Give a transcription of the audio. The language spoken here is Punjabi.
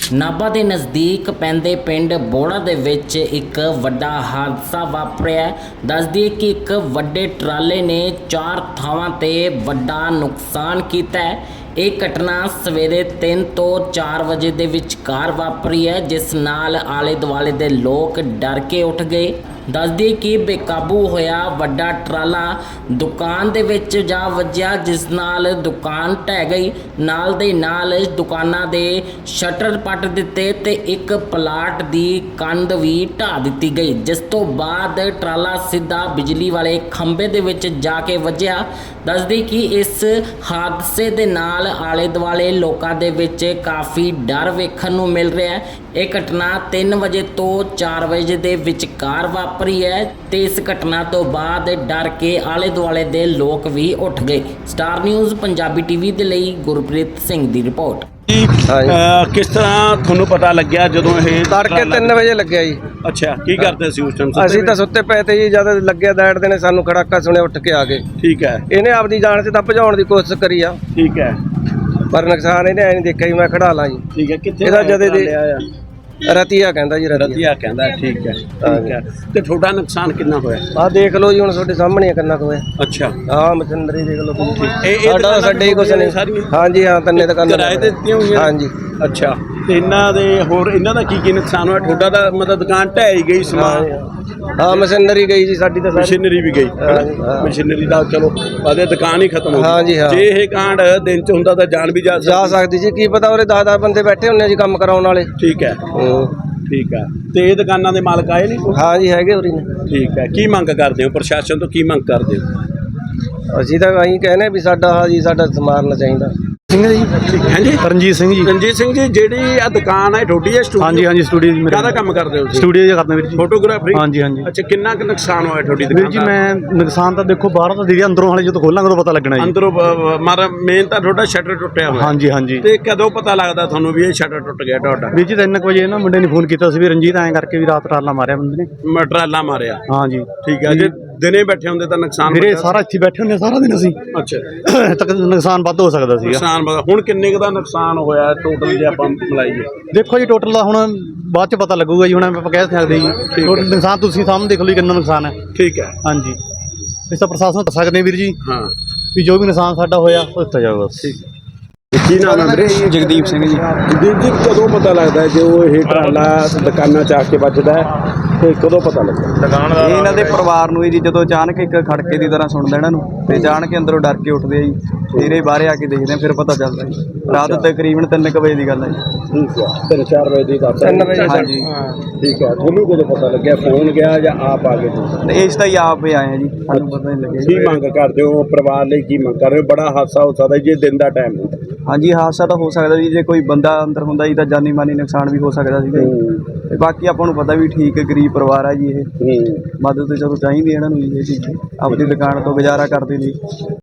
ਨਾਭਾ ਦੇ ਨਜ਼ਦੀਕ ਪੈਂਦੇ ਪਿੰਡ ਬੋੜਾ ਦੇ ਵਿੱਚ ਇੱਕ ਵੱਡਾ ਹਾਦਸਾ ਵਾਪਰਿਆ। ਦੱਸ ਦਈਏ ਕਿ ਇੱਕ ਵੱਡੇ ਟਰਾਲੇ ਨੇ 4 ਥਾਵਾਂ ਤੇ ਵੱਡਾ ਨੁਕਸਾਨ ਕੀਤਾ ਹੈ। ਇਹ ਘਟਨਾ ਸਵੇਰੇ 3 ਤੋਂ 4 ਵਜੇ ਦੇ ਵਿਚਕਾਰ ਵਾਪਰੀ ਹੈ, ਜਿਸ ਨਾਲ ਆਲੇ ਦੁਆਲੇ ਦੇ ਲੋਕ ਡਰ ਕੇ ਉੱਠ ਗਏ। ਦੱਸ ਦਈਏ ਕਿ ਬੇਕਾਬੂ ਹੋਇਆ ਵੱਡਾ ਟਰਾਲਾ ਦੁਕਾਨ ਦੇ ਵਿੱਚ ਜਾ ਵੱਜਿਆ, ਜਿਸ ਨਾਲ ਦੁਕਾਨ ਢਹਿ ਗਈ। ਨਾਲ ਦੇ ਨਾਲ ਦੁਕਾਨਾਂ ਦੇ ਸ਼ਟਰ ਪੱਟ ਦਿੱਤੇ ਤੇ ਇੱਕ ਪਲਾਟ ਦੀ ਕੰਧ ਵੀ ਢਾਹ ਦਿੱਤੀ ਗਈ, ਜਿਸ ਤੋਂ ਬਾਅਦ ਟਰਾਲਾ ਸਿੱਧਾ ਬਿਜਲੀ ਵਾਲੇ ਖੰਭੇ ਦੇ ਵਿੱਚ ਜਾ ਕੇ ਵੱਜਿਆ। ਦੱਸਦੀ ਕਿ ਇਸ ਹਾਦਸੇ ਦੇ ਨਾਲ ਆਲੇ ਦੁਆਲੇ ਲੋਕਾਂ ਦੇ ਵਿੱਚ ਕਾਫੀ ਡਰ ਵੇਖਣ ਨੂੰ ਮਿਲ ਰਿਹਾ ਹੈ। ਇਹ ਘਟਨਾ 3 ਵਜੇ ਤੋਂ 4 ਵਜੇ ਦੇ ਵਿਚਕਾਰ ਵਾਪਰੀ ਹੈ ਤੇ ਇਸ ਘਟਨਾ ਤੋਂ ਬਾਅਦ ਡਰ ਕੇ ਆਲੇ ਦੁਆਲੇ ਦੇ ਲੋਕ ਵੀ ਉੱਠ ਗਏ। ਸਟਾਰ ਨਿਊਜ਼ ਪੰਜਾਬੀ ਟੀਵੀ ਦੇ ਲਈ ਗੁਰਪ੍ਰੀਤ ਸਿੰਘ ਦੀ ਰਿਪੋਰਟ। ਕਿਸ ਤਰ੍ਹਾਂ ਤੁਹਾਨੂੰ ਪਤਾ ਲੱਗਿਆ ਜਦੋਂ ਇਹ ਤੜਕੇ 3 ਵਜੇ ਲੱਗਿਆ ਜੀ? ਅੱਛਾ, ਕੀ ਕਰਦੇ ਸੀ ਉਸ ਟਾਈਮ? ਅਸੀਂ ਤਾਂ ਸੁੱਤੇ ਪਏ ਤੇ ਜੀ, ਜਦ ਲੱਗਿਆ ਦੈੜਦੇ ਨੇ ਸਾਨੂੰ ਖੜਾਕਾ ਸੁਣਿਆ, ਉੱਠ ਕੇ ਆ ਗਏ। ਠੀਕ ਹੈ, ਇਹਨੇ ਆਪਦੀ ਜਾਨ 'ਚ ਤਾਂ ਭਜਾਉਣ ਦੀ ਕੋਸ਼ਿਸ਼ ਕਰੀ ਆ, ਠੀਕ ਹੈ, ਪਰ ਨੁਕਸਾਨ ਇਹਨੇ ਐ ਨਹੀਂ ਦੇਖਿਆ ਜੀ ਮੈਂ ਖੜਾ ਲਾਂ ਜੀ। ਠੀਕ ਹੈ। ਕਿੱਥੇ ਇਹਦਾ ਜਦੇ ਦੇ ਆਇਆ? ਰਤੀਆ ਕਹਿੰਦਾ ਜੀ, ਰਤੀਆ ਕਹਿੰਦਾ। ਠੀਕ ਹੈ, ਠੀਕ ਹੈ। ਤੇ ਤੁਹਾਡਾ ਨੁਕਸਾਨ ਕਿੰਨਾ ਹੋਇਆ? ਆਹ ਦੇਖ ਲਓ ਜੀ, ਹੁਣ ਤੁਹਾਡੇ ਸਾਹਮਣੇ ਕਿੰਨਾ ਕੁ ਹੋਇਆ। ਅੱਛਾ, ਆਹ ਮਸ਼ੀਨਰੀ ਦੇਖ ਲਓ। ਇਹ ਸਾਡਾ ਸਾਡੇ ਹੀ ਕੁਛ ਨਹੀਂ। ਹਾਂਜੀ ਹਾਂ, ਤੰਨੇ ਦੁਕਾਨਾਂ ਕਿਰਾਏ ਤੇ ਦਿੱਤੀਆਂ ਹੋਈਆਂ? ਹਾਂਜੀ। ਅੱਛਾ, ਤੇ ਇਹਨਾਂ ਦੇ ਹੋਰ ਇਹਨਾਂ ਦਾ ਕੀ ਨੁਕਸਾਨ ਹੋਇਆ? ਤੁਹਾਡਾ ਤਾਂ ਮਤਲਬ ਦੁਕਾਨ ਢਹਿ ਗਈ, ਸਮਾਨ? ਹਾਂ, ਮਸ਼ੀਨਰੀ ਗਈ ਜੀ ਸਾਡੀ ਤਾਂ। ਮਸ਼ੀਨਰੀ ਵੀ ਗਈ, ਮਸ਼ੀਨਰੀ ਦਾ ਚਲੋ ਆਦੇ ਦੁਕਾਨ ਹੀ ਖਤਮ ਹੋ ਗਈ। ਹਾਂਜੀ ਹਾਂ। ਜੇ ਇਹ ਕਾਂਡ ਦਿਨ ਚ ਹੁੰਦਾ ਤਾਂ ਜਾਨ ਵੀ ਜਾ ਸਕਦੀ ਜੀ, ਕੀ ਪਤਾ ਉਹਦੇ 10 ਬੰਦੇ ਬੈਠੇ ਹੁੰਦੇ ਜੀ ਕੰਮ ਕਰਾਉਣ ਵਾਲੇ। ਠੀਕ ਹੈ, ਠੀਕ ਹੈ। ਤੇ ਇਹ ਦੁਕਾਨਾਂ ਦੇ ਮਾਲਕ ਆਏ ਨਹੀਂ? ਹਾਂ ਜੀ, ਹੈਗੇ ਉਰੀ ਨੇ। ਠੀਕ ਹੈ। ਕੀ ਮੰਗ ਕਰਦੇ ਹੋ ਪ੍ਰਸ਼ਾਸਨ ਤੋਂ? ਕੀ ਮੰਗ ਕਰਦੇ ਹੋ? ਅਸੀਂ ਤਾਂ ਅਸੀਂ ਕਹਿੰਦੇ ਵੀ ਸਾਡਾ ਸਮਾਰਨਾ ਚਾਹੀਦਾ। ਸਿੰਘ ਜੀ। ਹਾਂਜੀ, ਰਣਜੀਤ ਸਿੰਘ ਜੀ। ਰਣਜੀਤ ਸਿੰਘ ਜੀ, ਜਿਹੜੀ ਆ ਦੁਕਾਨ ਹੈ ਤੁਹਾਡੀ ਹੈ ਸਟੂਡੀਓ? ਹਾਂਜੀ ਹਾਂਜੀ, ਸਟੂਡੀਓ ਜੀ। ਕਾਹਦਾ ਕੰਮ ਕਰਦੇ ਹੋ? ਸਟੂਡੀਓ 'ਚ ਕਰਦਾ ਵੀਰ ਜੀ, ਫੋਟੋਗ੍ਰਾਫਰੀ। ਹਾਂਜੀ ਹਾਂਜੀ। ਅੱਛਾ, ਕਿੰਨਾ ਕੁ ਨੁਕਸਾਨ ਹੋਇਆ ਤੁਹਾਡੀ ਵੀਰ ਦੁਕਾਨ ਜੀ ਦਾ? ਮੈਂ ਨੁਕਸਾਨ ਤਾਂ ਦੇਖੋ ਬਾਹਰੋਂ ਤਾਂ ਦੀਦੀ, ਅੰਦਰੋਂ ਹਾਲੇ ਜਦੋਂ ਖੋਲਾਂਗੇ ਉਦੋਂ ਪਤਾ ਲੱਗਣਾ ਜੀ। ਅੰਦਰੋਂ ਮਾਰਾ ਮੇਨ ਤਾਂ ਤੁਹਾਡਾ ਸ਼ਟਰ ਟੁੱਟਿਆ ਹੋਇਆ। ਹਾਂਜੀ ਹਾਂਜੀ। ਤੇ ਕਦੋਂ ਪਤਾ ਲੱਗਦਾ ਤੁਹਾਨੂੰ ਵੀ ਇਹ ਸ਼ਟਰ ਟੁੱਟ ਗਿਆ ਤੁਹਾਡਾ? ਵੀਰ ਜੀ 3 ਵਜੇ ਨਾ ਮੁੰਡੇ ਨੇ ਫੋਨ ਕੀਤਾ ਸੀ ਵੀ ਰਣਜੀਤ ਐਂ ਕਰਕੇ ਵੀ ਰਾਤ ਟਰਾਲਾ ਮਾਰਿਆ ਬੰਦੇ ਨੇ। ਟਰਾਲਾ ਮਾਰਿਆ? ਹਾਂਜੀ। ਠੀਕ ਹੈ। ਜੇ ਦਿਨੇ ਬੈਠੇ ਹੁੰਦੇ ਤਾਂ ਨੁਕਸਾਨ ਵੀਰੇ ਸਾਰਾ ਇੱਥੇ ਬੈਠੇ ਹੁੰਦੇ ਸਾਰਾ ਦਿਨ ਅਸੀਂ। ਅੱਛਾ, ਤੱਕ ਨੁਕਸਾਨ ਵੱਧ ਹੋ ਸਕਦਾ ਸੀਗਾ। ਨੁਕਸਾਨ ਹੁਣ ਕਿੰਨੇ ਕੁ ਦਾ ਨੁਕਸਾਨ ਹੋਇਆ ਟੋਟਲ ਜੇ ਆਪਾਂ ਮਿਲਾਈਏ? ਦੇਖੋ ਜੀ, ਟੋਟਲ ਦਾ ਹੁਣ ਬਾਅਦ 'ਚ ਪਤਾ ਲੱਗੂਗਾ ਜੀ, ਹੁਣ ਆਪਾਂ ਕਹਿ ਸਕਦੇ ਜੀ। ਟੋਟਲ ਨੁਕਸਾਨ ਤੁਸੀਂ ਸਾਹਮਣੇ ਦੇਖ ਲਓ ਜੀ, ਕਿੰਨਾ ਨੁਕਸਾਨ ਹੈ। ਠੀਕ ਹੈ। ਹਾਂਜੀ, ਇਸ ਤਾਂ ਪ੍ਰਸ਼ਾਸਨ ਨੂੰ ਦੱਸ ਸਕਦੇ ਵੀਰ ਜੀ। ਹਾਂ, ਵੀ ਜੋ ਵੀ ਨੁਕਸਾਨ ਸਾਡਾ ਹੋਇਆ ਉਹ ਦਿੱਤਾ ਜਾਊਗਾ। ਠੀਕ ਹੈ। ਕੀ ਨਾਮ ਹੈ ਵੀਰੇ? ਜਗਦੀਪ ਸਿੰਘ ਜੀ। ਜਗਦੀਪ ਜੀ, ਕਦੋਂ ਪਤਾ ਲੱਗਦਾ ਜੋ ਇਹ ਟਰਾਲਾ ਦੁਕਾਨਾਂ 'ਚ ਆ ਕੇ ਵੱਜਦਾ ਹੈ ਤੇ ਕਦੋਂ ਪਤਾ ਲੱਗਦਾ? ਇਹ ਇਹਨਾਂ ਦੇ ਪਰਿਵਾਰ ਨੂੰ ਜੀ, ਜਦੋਂ ਅਚਾਨਕ ਇੱਕ ਖੜਕੇ ਦੀ ਤਰ੍ਹਾਂ ਸੁਣਦਾ ਇਹਨਾਂ ਨੂੰ ਤੇ ਜਾਣ ਕੇ ਅੰਦਰੋਂ ਡਰ ਕੇ ਉੱਠਦੇ ਆ ਜੀ। ਫਿਰ ਇਹ ਬਾਹਰੇ ਆ ਕੇ ਦੇਖਦੇ ਆ, ਫਿਰ ਪਤਾ ਚੱਲਦਾ ਜੀ। ਰਾਤ ਤਕਰੀਬਨ 3 ਵਜੇ ਦੀ ਗੱਲ ਹੈ ਜੀ। ਠੀਕ ਹੈ, 3-4 ਵਜੇ ਦੀ ਗੱਲ? 3 ਵਜੇ। ਹਾਂਜੀ। ਠੀਕ ਹੈ। ਤੁਹਾਨੂੰ ਕਦੋਂ ਪਤਾ ਲੱਗਿਆ? ਫੋਨ ਗਿਆ ਜਾਂ ਆਪ ਆ ਗਏ ਤੁਸੀਂ? ਤੇ ਇਸ ਤਾਂ ਹੀ ਆਪ ਹੀ ਆਏ ਆ ਜੀ, ਸਾਨੂੰ ਪਤਾ ਨਹੀਂ ਲੱਗਿਆ ਕੀ ਮੰਗ ਕਰਦੇ ਹੋ ਪਰਿਵਾਰ ਲਈ? ਕੀ ਮੰਗ ਕਰ ਰਹੇ ਹੋ? ਬੜਾ ਹਾਦਸਾ ਹੋ ਸਕਦਾ ਜੇ ਦਿਨ ਦਾ ਟਾਈਮ ਹੁੰਦਾ। ਹਾਂਜੀ, ਹਾਦਸਾ ਤਾਂ ਹੋ ਸਕਦਾ ਜੀ, ਜੇ ਕੋਈ ਬੰਦਾ ਅੰਦਰ ਹੁੰਦਾ ਜੀ ਤਾਂ ਜਾਨੀ ਮਾਨੀ ਨੁਕਸਾਨ ਵੀ ਹੋ ਸਕਦਾ ਸੀਗਾ ਜੀ। ਤੇ ਬਾਕੀ ਆਪਾਂ ਨੂੰ ਪਤਾ ਵੀ ਠੀਕ ਗਰੀਬ ਪਰਿਵਾਰ ਆ ਜੀ, ਇਹ ਮਦਦ ਤੇ ਚਲੋ ਚਾਹੀਦੀ ਇਹਨਾਂ ਨੂੰ ਜੀ। ਇਹ ਚੀਜ਼ ਆਪਣੀ ਦੁਕਾਨ ਤੋਂ ਗੁਜ਼ਾਰਾ ਕਰਦੇ ਲਈ।